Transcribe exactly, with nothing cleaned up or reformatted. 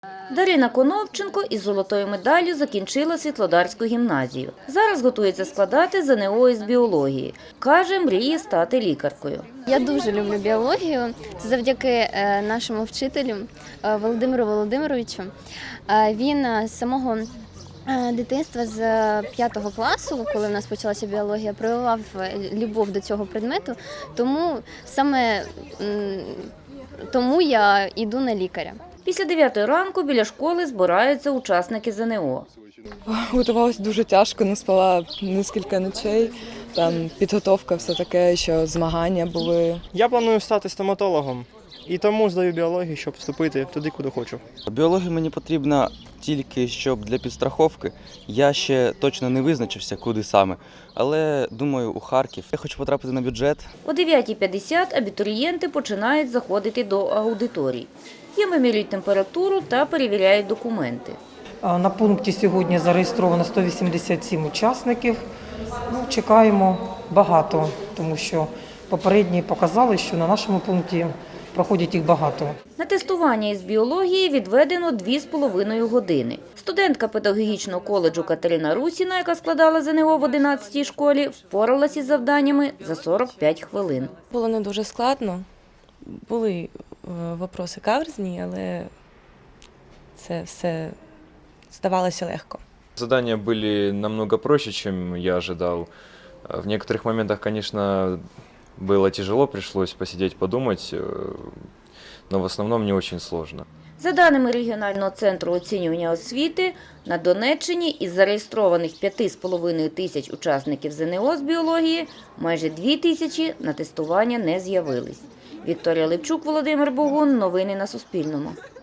Дарина Конопченко із золотою медаллю закінчила Світлодарську гімназію. Зараз готується складати зе ен о із біології. Каже, мріє стати лікаркою. Я дуже люблю біологію. Це завдяки нашому вчителю Володимиру Володимировичу. Він з самого дитинства, з п'ятого класу, коли в нас почалася біологія, проявляв любов до цього предмету, тому саме тому я йду на лікаря. Після дев'ятої ранку біля школи збираються учасники зе ен о. Готувалася дуже тяжко, не спала кілька ночей. Там підготовка, все таке, що змагання були. Я планую стати стоматологом і тому здаю біологію, щоб вступити туди, куди хочу. Біологія мені потрібна тільки щоб для підстраховки. Я ще точно не визначився, куди саме, але думаю, у Харків. Я хочу потрапити на бюджет. О дев'ятій п'ятдесят абітурієнти починають заходити до аудиторій. Їм вимірюють температуру та перевіряють документи. На пункті сьогодні зареєстровано сто вісімдесят сім учасників. Ну, чекаємо багато, тому що попередні показали, що на нашому пункті проходять їх багато. На тестування із біології відведено дві з половиною години. Студентка педагогічного коледжу Катерина Русіна, яка складала зе ен о в одинадцятій школі, впоралась із завданнями за сорок п'ять хвилин. Було не дуже складно. Були вопроси каверзні, але це все здавалося легко. Задания были намного проще, чем я ожидал. В некоторых моментах, конечно, было тяжело, пришлось посидеть, подумать, но в основном не очень сложно. За даними регіонального центру оцінювання освіти, на Донеччині із зареєстрованих п'яти з половиною тисяч учасників зе ен о з біології майже дві тисячі на тестування не з'явились. Вікторія Левчук, Володимир Богун. Новини на Суспільному.